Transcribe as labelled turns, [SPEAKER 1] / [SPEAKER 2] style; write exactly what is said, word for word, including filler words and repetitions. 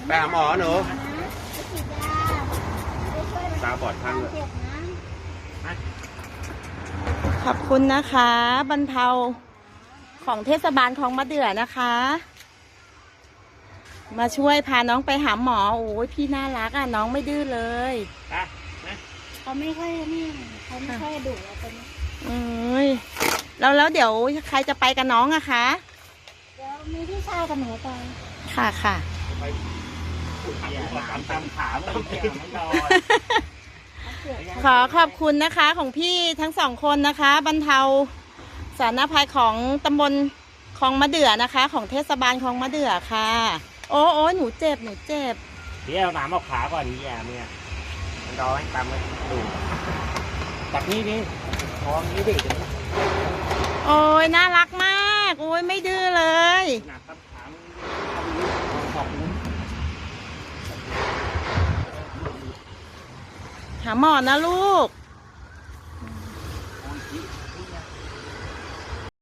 [SPEAKER 1] ไปหาหมอหนูตาบอดข้างเลย
[SPEAKER 2] ขอบคุณนะคะบรรเทาของเทศบาลคลองมะเดื่อนะคะมาช่วยพาน้องไปหาหมอโอ้ยพี่น่ารักอ่ะน้องไม่ดื้อเลย
[SPEAKER 3] เขาไม่ค่อยนี่เขาไม่ค่อยดุเราเป็น
[SPEAKER 2] เอ้ยแล้วแล้วเดี๋ยวใครจะไปกับน้องอะคะ
[SPEAKER 3] เดี๋ยวมีพี่ชายกับหนูไป
[SPEAKER 2] ค่ะค่ะขอขอบคุณนะคะของพี่ทั้งสองคนนะคะบรรเทาสาธารณภัยของตำบลคลองมะเดื่อนะคะของเทศบาลคลองมะเดื่อค่ะโอ้โอ้หนูเจ็บหนูเจ็บ
[SPEAKER 1] พี่เอาน้ำเอาขาก่อนนี่แย่เนี่ยมันรอให้ตามมันดูจับนี่ดิพร้อมนี้ดิ
[SPEAKER 2] โอ้ยน่ารักมากโอ้ยไม่ดื้อเลยหาหมอนะลูก